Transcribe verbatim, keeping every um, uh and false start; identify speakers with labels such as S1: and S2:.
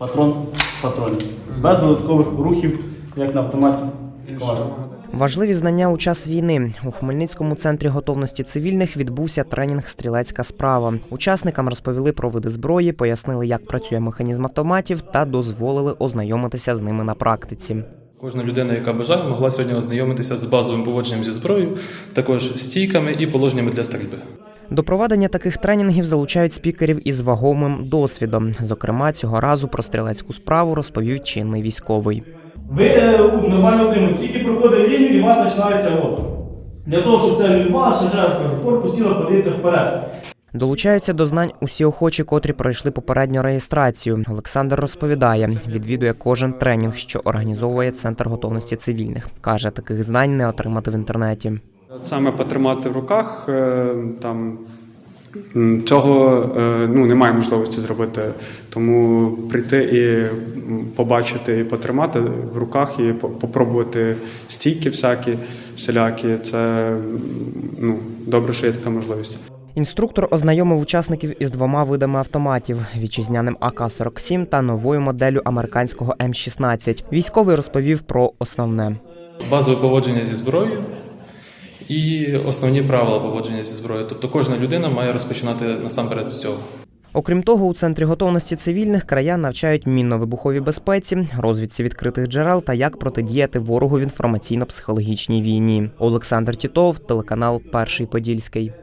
S1: патрон в патроні. Без додаткових рухів, як на автоматі.
S2: Важливі знання у час війни. У Хмельницькому центрі готовності цивільних відбувся тренінг «Стрілецька справа». Учасникам розповіли про види зброї, пояснили, як працює механізм автоматів та дозволили ознайомитися з ними на практиці.
S3: Кожна людина, яка бажає, могла сьогодні ознайомитися з базовим поводженням зі зброєю, також стійками і положеннями для стрільби.
S2: До проведення таких тренінгів залучають спікерів із вагомим досвідом. Зокрема, цього разу про стрілецьку справу розповів чинний військовий.
S1: Ви е, нормально отримуєте, тільки проходить лінію і у вас починається опір. Для того, щоб це відбувалося, ще раз кажу, корпус тіла подивиться вперед.
S2: Долучаються до знань усі охочі, котрі пройшли попередню реєстрацію. Олександр розповідає, відвідує кожен тренінг, що організовує Центр готовності цивільних. Каже, таких знань не отримати в інтернеті.
S4: Саме потримати в руках, там, цього ну, немає можливості зробити. Тому прийти і побачити, і потримати в руках, і попробувати стійки всякі, всілякі, це ну, добре, що є така можливість.
S2: Інструктор ознайомив учасників із двома видами автоматів – вітчизняним А К сорок сім та новою моделлю американського М шістнадцять. Військовий розповів про основне.
S3: Базове поводження зі зброєю і основні правила поводження зі зброєю. Тобто кожна людина має розпочинати насамперед з цього.
S2: Окрім того, у Центрі готовності цивільних краян навчають мінно-вибуховій безпеці, розвідці відкритих джерел та як протидіяти ворогу в інформаційно-психологічній війні. Олександр Тітов, телеканал «Перший Подільський».